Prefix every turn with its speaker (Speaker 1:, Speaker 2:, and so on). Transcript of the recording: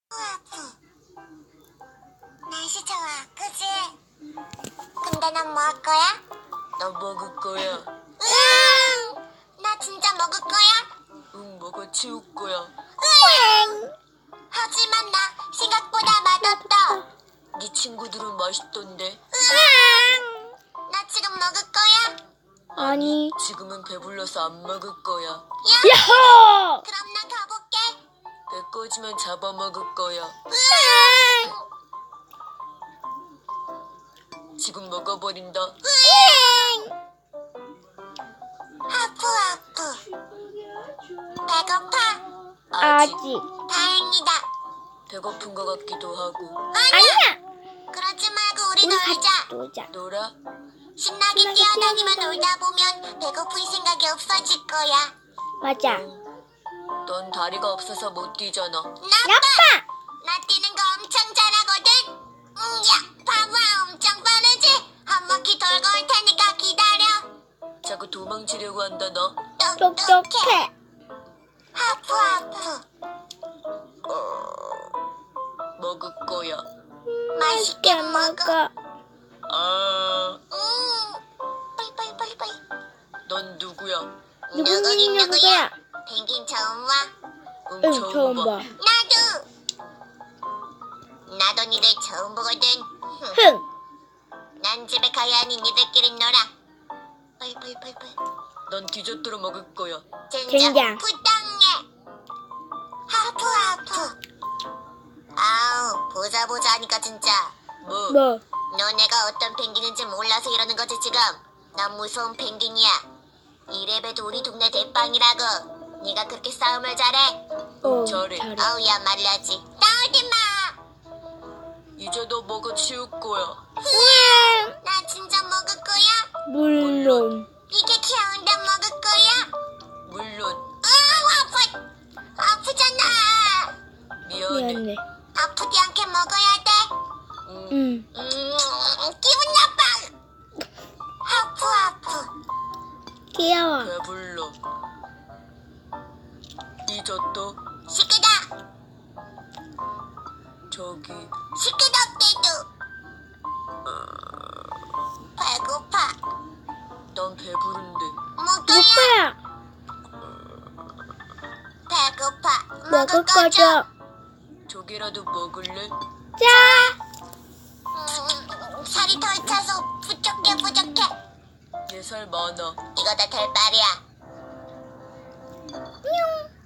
Speaker 1: 날씨 좋아, 그치? 근데 난 뭐 할 거야?
Speaker 2: 나 먹을 거야.
Speaker 1: 으앙! 나 진짜 먹을 거야?
Speaker 2: 응, 먹어 치울 거야.
Speaker 1: 으앙! 하지만 나 생각보다 맛없다.
Speaker 2: 네 친구들은 맛있던데.
Speaker 1: 으앙! 나 지금 먹을 거야?
Speaker 3: 아니.
Speaker 2: 지금은 배불러서 안 먹을 거야.
Speaker 3: 야호!
Speaker 1: 그럼 나 가볼게.
Speaker 2: 배 꺼지면 잡아먹을 거야.
Speaker 1: 으앙!
Speaker 2: 지금 먹어버린다.
Speaker 1: 으앙! 하프. 배고파?
Speaker 3: 아직.
Speaker 1: 다행이다.
Speaker 2: 배고픈 것 같기도 하고.
Speaker 3: 아니야.
Speaker 1: 그러지 말고 우리
Speaker 3: 우리
Speaker 1: 놀자.
Speaker 3: 같이 놀자.
Speaker 2: 놀아?
Speaker 1: 신나게 뛰어다니며 놀다 보면 배고픈 생각이 없어질 거야.
Speaker 3: 맞아.
Speaker 2: 넌 다리가 없어서 못 뛰잖아.
Speaker 1: 나빠!
Speaker 3: 나빠.
Speaker 1: 나 뛰는 거 엄청 잘하거든. 야, 봐봐, 엄청 빠르지? 한 바퀴 돌고 올 테니까 기다려.
Speaker 2: 자꾸 도망치려고 한다 너.
Speaker 3: 똑똑해.
Speaker 1: 하프.
Speaker 2: 먹을 거야.
Speaker 1: 맛있게 먹어.
Speaker 2: 아,
Speaker 1: 빨리.
Speaker 2: 넌 누구야?
Speaker 3: 누구야?
Speaker 1: 펭귄 처음 와?
Speaker 2: 응,
Speaker 3: 응,
Speaker 2: 처음
Speaker 3: 처음
Speaker 2: 봐.
Speaker 3: 봐.
Speaker 1: 나도 니들 처음 보거든.
Speaker 3: 흥.
Speaker 1: 난 집에 가야 하니 니들끼리 놀아. 빨리.
Speaker 2: 넌 디저트로 먹을 거야.
Speaker 3: 젠장.
Speaker 1: 부당해. 하프. 아우, 보자 하니까 진짜.
Speaker 2: 뭐?
Speaker 3: 뭐?
Speaker 1: 너네가 어떤 펭귄인지 몰라서 이러는 거지 지금. 난 무서운 펭귄이야. 이래봬도 우리 동네 대빵이라고. 네가 그렇게 싸움을 잘해?
Speaker 2: 잘해.
Speaker 1: 어우야 말라지. 싸우지 마.
Speaker 2: 이제 너 먹어 치울 거야.
Speaker 1: 나 진짜 먹을 거야?
Speaker 3: 물론.
Speaker 1: 이게 귀여운데 먹을 거야?
Speaker 2: 물론.
Speaker 1: 아프잖아.
Speaker 2: 미안해.
Speaker 3: 미안해.
Speaker 1: 아프지 않게 먹어야 돼.
Speaker 3: 응.
Speaker 1: 기분 나빠. 하프.
Speaker 3: 귀여워.
Speaker 2: 배불러. 디저트
Speaker 1: 시끄다.
Speaker 2: 저기.
Speaker 1: 시끄럽대도. 배고파.
Speaker 2: 난 배부른데.
Speaker 1: 먹어야.
Speaker 3: 오빠야.
Speaker 1: 배고파.
Speaker 3: 먹을 거죠.
Speaker 2: 저기라도 먹을래?
Speaker 3: 자.
Speaker 1: 살이 덜 차서 부족해.
Speaker 2: 내 살 많아.
Speaker 1: 이거 다 될 말이야.
Speaker 3: 뿅.